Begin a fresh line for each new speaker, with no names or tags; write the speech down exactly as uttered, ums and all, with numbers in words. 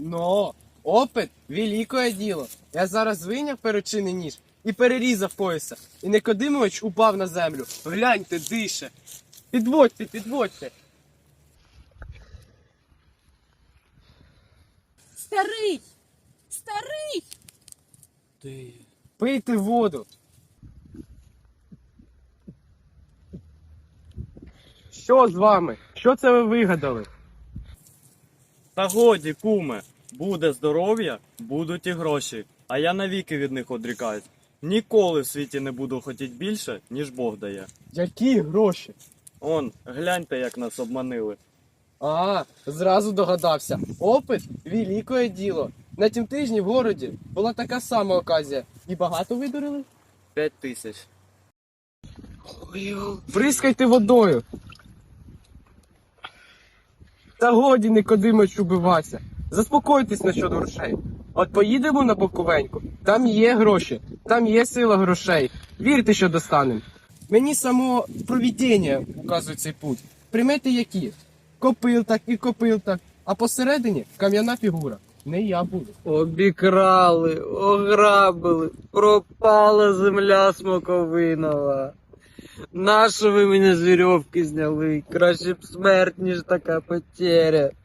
Но опит великое діло. Я зараз вийняв перочинний ніж і перерізав пояса. І Никодимович упав на землю. Гляньте, дише. Підводьте, підводьте.
Старий! Старий!
Ти. Пийте воду. Що з вами? Що це ви вигадали?
Та годі, куме, буде здоров'я, будуть і гроші, а я навіки від них одрікаюсь. Ніколи в світі не буду хотіти більше, ніж Бог дає.
Які гроші?
Он, гляньте, як нас обманили.
А, зразу догадався. Опит великое діло. На тім тижні в городі була така сама оказія. І багато видурили?
П'ять тисяч.
Бризкайте водою. Та годі, Никодимович, убиватися. Заспокойтесь насчет грошей. От поїдемо на Буковеньку, там є гроші, там є сила грошей. Вірте, що достанемо. Мені само провідіння указує цей путь. Примети які? Копил так і копил так, а посередині кам'яна фігура. Не я буду.
Обікрали, ограбили, пропала земля смоковинова. Нащо ви мене з вірьовки зняли? Краще б смерть, ніж така потеря.